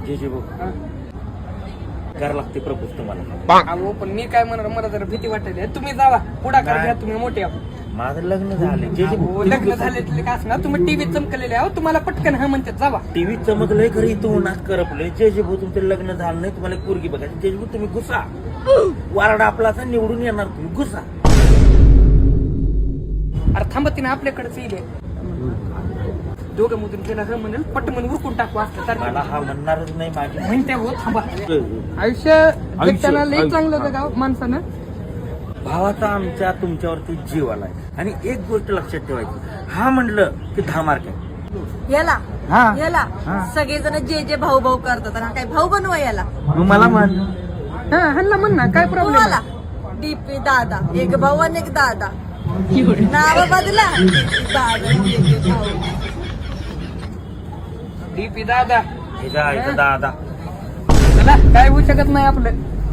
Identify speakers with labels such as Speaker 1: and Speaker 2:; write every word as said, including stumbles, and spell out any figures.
Speaker 1: जे जे भाऊ करावं लागते प्रपोज तुम्हाला.
Speaker 2: अहो पण मी काय म्हणणार, मला जरा भीती वाटते. तुम्ही जावा पुढाकार घ्या, तुम्ही मोठे आहो.
Speaker 1: माझं लग्न झाले जे जे
Speaker 2: अहो, लग्न झाले का असणार, तुम्ही टीव्हीत चमकलेले आहो, तुम्हाला पटकन हा म्हणतात जावा.
Speaker 1: टीव्ही चमकलंय खरं इथं उन्हात करपलंय. जे जे भाऊ तुमचं लग्न झालं नाही, तुम्हाला एक पोरगी बघायची. जे जे भाऊ तुम्ही घुसा, वारडा आपला असा निवडून येणार, तुम्ही घुसा.
Speaker 2: अरे थांबा, तिने आपल्याकडेच येईल. दोघं मधून गेला ह म्हणेल, पटमन उरकून टाकू असतं तर
Speaker 1: मला हा म्हणणारच नाही माझी
Speaker 2: म्हणते. हो थांबा, आयुष्य जगताना लई चांगलं होतं गाव माणसानं.
Speaker 1: भावाचा आमच्या तुमच्यावरती जीव आलाय. आणि एक गोष्ट लक्षात ठेवायची, हा म्हणलं की दहा मार्क आहे.
Speaker 3: याला
Speaker 1: हा.
Speaker 3: याला
Speaker 1: हा.
Speaker 3: सगळेजण जे जे भाऊ भाऊ करतात आणि हा काय भाऊ बनवा याला.
Speaker 1: मग मला म्हण
Speaker 2: हा हल्ला म्हण ना, काय प्रॉब्लेम
Speaker 3: तुम्हाला डीपी दादा, एक भाऊ आणि एक दादा, नाव बदला दादा डीपी भाऊ.
Speaker 2: डीपी दादा
Speaker 1: हे जा, इथं दादा
Speaker 2: चला, काय होऊ शकत नाही आपलं.